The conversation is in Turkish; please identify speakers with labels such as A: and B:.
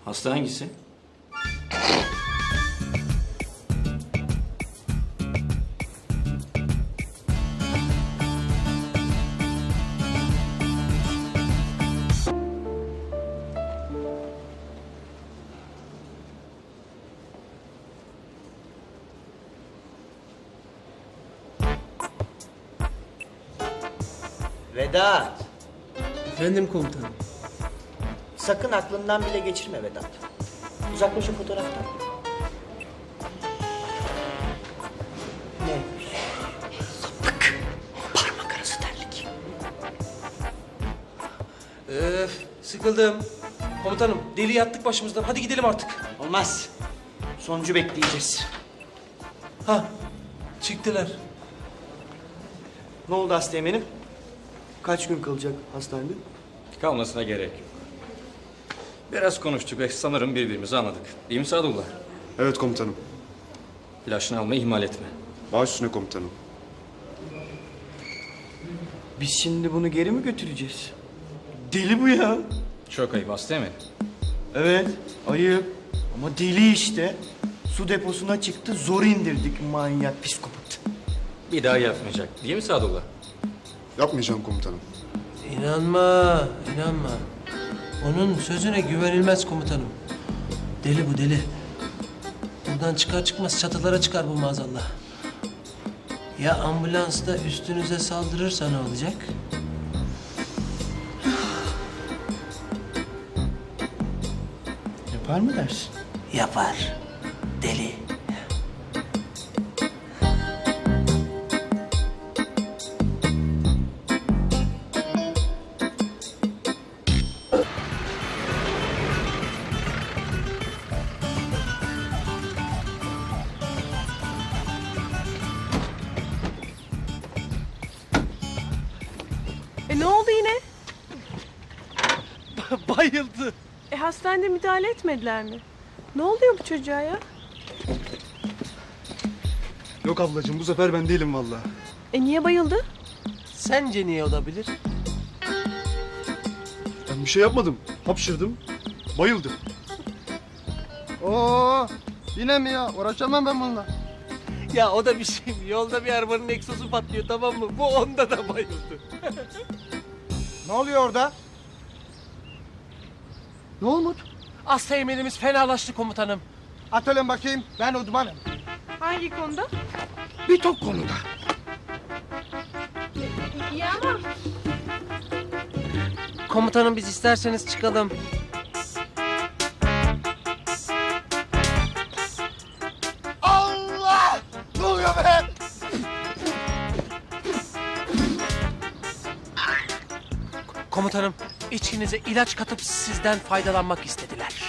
A: Hasta hangisi?
B: Vedat,
C: Efendim komutanım.
B: sakın aklından bile geçirme Vedat. Uzaklaş o fotoğraftan. Ne? Sapık. Parmak arası terlik.
C: Sıkıldım. Komutanım deli yattık başımızdan. Hadi gidelim artık.
B: Olmaz. Sonucu bekleyeceğiz.
C: Ha çıktılar.
B: Ne oldu hasta eminim? Kaç gün kalacak hastanede?
A: Kalmasına gerek yok. Biraz konuştuk ve sanırım birbirimizi anladık. Değil mi Sadullah?
D: Evet komutanım.
A: İlaçını almayı ihmal etme.
D: Baş üstüne komutanım.
B: Biz şimdi bunu geri mi götüreceğiz? Deli bu ya.
A: Çok ayıp hasta mi?
B: Evet, ayıp. Ama deli işte. Su deposuna çıktı, zor indirdik manyak psikopat.
A: Bir daha yapmayacak. Değil mi Sadullah?
D: Yapmayacağım komutanım.
C: İnanma, inanma. Onun sözüne güvenilmez komutanım. Deli bu deli. Buradan çıkar çıkmaz çatılara çıkar bu maazallah. Ya ambulansta üstünüze saldırırsa ne olacak?
B: Yapar mı dersin?
C: Yapar. Deli.
E: Ne oldu yine?
C: Bayıldı.
E: Hastanede müdahale etmediler mi? Ne oluyor bu çocuğa ya?
D: Yok ablacığım bu sefer ben değilim vallahi.
E: Niye bayıldı?
C: Sence niye olabilir?
D: Ben bir şey yapmadım. Hapşırdım. Bayıldım.
F: Oo, yine mi ya? Uğraşamam ben bununla.
C: Ya o da bir şey mi? Yolda bir arabanın egzozu patlıyor tamam mı? Bu onda da bayıldı.
F: Ne oluyor orada? Ne Umut?
C: Hasta emelimiz fenalaştı komutanım.
F: Atölyen bakayım, ben uzmanım.
E: Hangi konuda?
F: Bir top konuda.
E: İyi ama
C: Komutanım biz isterseniz çıkalım.
F: Allah! Ne oluyor be?
C: Komutanım içkinize ilaç katıp sizden faydalanmak istediler.